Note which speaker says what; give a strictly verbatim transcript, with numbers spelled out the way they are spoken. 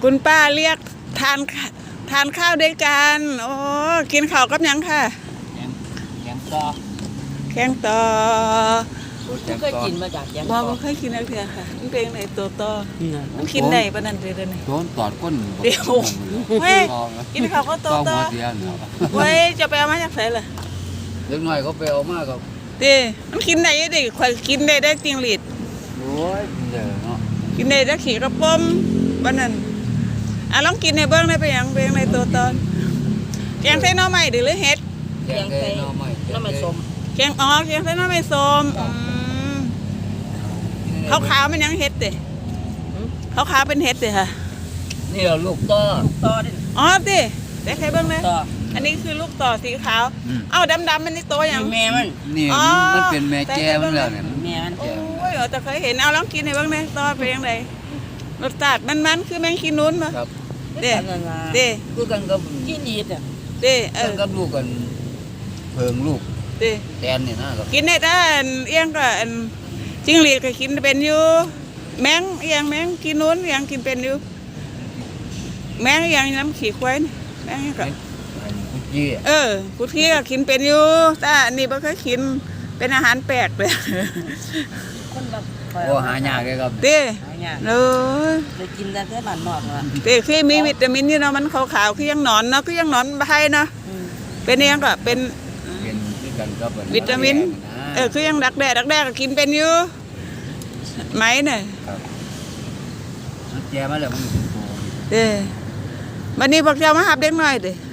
Speaker 1: คุณป้าเรียกทานทานข้าวด้วยกันโอ้กินข้าวกับยังค่ะ
Speaker 2: แกงแกงต่อ
Speaker 1: แข้งต่อ
Speaker 3: เคยกินมาจากแกง
Speaker 1: บ่
Speaker 3: ต่อ
Speaker 1: บ่เคยกินอะไรเถอะค่ะมันเป็นไงตัวต่อมันกินได้ปะนั่นเลยเด้อนี่
Speaker 2: โดนตอดก้น
Speaker 1: เดี๋ยวเฮ้ยกินข้าวก็ตัวต่อเฮ้ยจะไปเอามาจากไหนล่ะ
Speaker 2: เล็กน้อยเขาไปเอามาก็
Speaker 1: เด้มันกินได้ดิข่อยกินได้ได้จริงหลีด
Speaker 2: โอ้ยเด้อเนาะ
Speaker 1: กินได้ได้ขี่กระป๋อมปะนั่นอ่ะลองกินในเบื้องได้ไปยังเบื้องในตัวตอนแกงไส้หน่อไม้หรือเห็ด
Speaker 3: แกงไส้หน่อไม้หน่อไม้ส้ม
Speaker 1: แกงอ๋อแกงไส้หน่อไม้ส้มขาวขาวมันยังเห็ดเด้ขาวขาวเป็นเห็ดเด้ค่ะ
Speaker 2: นี่เราลูกต่อ
Speaker 3: ต่อดิ
Speaker 1: อ๋อดิได้ใครเบื้องเลยอันนี้คือลูกต่อสีขาวเอ้าดำดำมันนี่โตยัง
Speaker 3: แม่มัน
Speaker 2: นี่มันเป็นแม่แจ้มันแล้วเนี่ย
Speaker 3: แม่มัน
Speaker 1: โอ้ยแต่เคยเห็นเอาลองกินให้เบื้องเลยต่อเป็นยังไงรสชาติมันมันคือแมงขี้นุ้นมั้ยเด้เด้
Speaker 2: คือกันกับ
Speaker 3: กินดีอ่ะ
Speaker 1: เด้เออ
Speaker 2: กับลูกกันเพิงลูก
Speaker 1: เด้
Speaker 2: แตนนี่นะครับ
Speaker 1: กินได้แต่เอียงก็จิ้งหรีดก็กินเป็นอยู่แมงเอียงแมงกินนู้นเอียงกินเป็นอยู่แมงเอียงน้ำขี้ควายแมงก็เออกุที่ก็กินเป็นอยู่แต่อันนี้บ่เคยกินเป็นอาหารแปลกเลย
Speaker 2: โอ้หายากเลยครับ
Speaker 1: เด้เออ
Speaker 3: ไปกินแต่แค่บ้านนอกอ่ะ
Speaker 1: เด้คือมีวิตามินอยู่เนาะมันขาวๆคือยังหนอนเนาะคือยังหนอนใบเนาะเป็นเอียงก็เป็นวิตามินเออคือยังดักแด้ดักแด้ก็กินเป็นอยู่ไหมเนี่ย
Speaker 2: แย่มาแล้วมัน
Speaker 1: เด้วันนี้พวกเจ้ามาหับเด็กน้อยเด้